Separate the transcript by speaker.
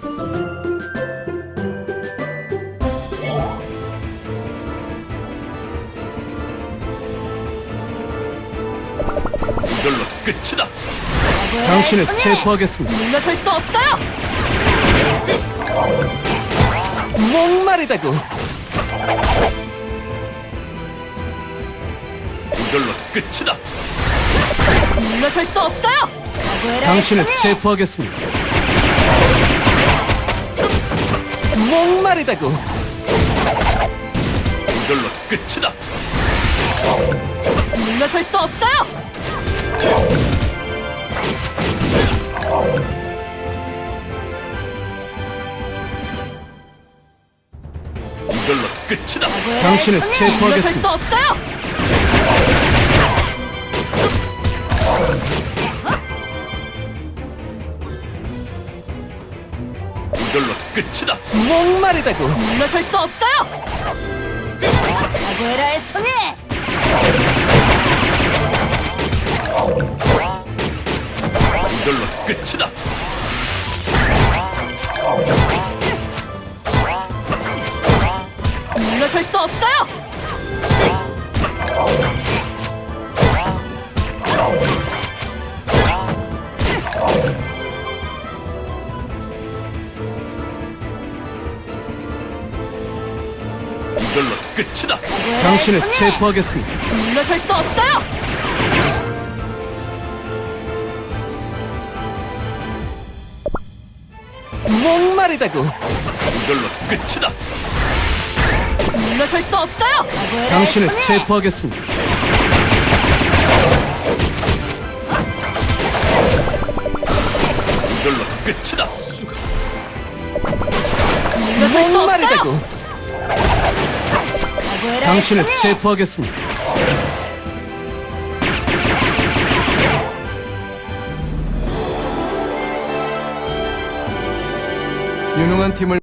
Speaker 1: 이걸로 끝이다.
Speaker 2: 당신을 체포하겠습니다.
Speaker 3: 물러설 수 없어요.
Speaker 2: 목마르다고.
Speaker 1: 이걸로 끝이다.
Speaker 3: 물러설 수 없어요. 사과해라
Speaker 2: 당신을
Speaker 3: 했으니.
Speaker 2: 체포하겠습니다. 목마르다고.
Speaker 1: 이걸로 끝이다.
Speaker 3: 물러설 수 없어요.
Speaker 1: 이걸로 끝이다.
Speaker 3: 사과해라
Speaker 2: 당신을
Speaker 3: 했으니. 물러설 수
Speaker 2: 체포하겠습니다.
Speaker 3: 없어요.
Speaker 1: 이걸로 끝이다.
Speaker 2: 목마르다고.
Speaker 3: 물러설 수 없어요. 사과해라 했으니.
Speaker 1: 이걸로 끝이다.
Speaker 3: 물러설 수 없어요.
Speaker 1: 이걸로 끝이다.
Speaker 3: 사과해라
Speaker 2: 당신을
Speaker 3: 했으니.
Speaker 2: 체포하겠습니다.
Speaker 3: 물러설 수 없어요.
Speaker 2: 목마르다고.
Speaker 1: 이걸로 끝이다.
Speaker 3: 물러설 수 없어요. 사과해라
Speaker 2: 당신을
Speaker 3: 했으니.
Speaker 2: 체포하겠습니다.
Speaker 1: 이걸로 끝이다.
Speaker 3: 물러설 수 없어요.
Speaker 2: 목마르다고.
Speaker 3: 사과해라
Speaker 2: 당신을
Speaker 3: 했으니.
Speaker 2: 체포하겠습니다. 유능한 팀을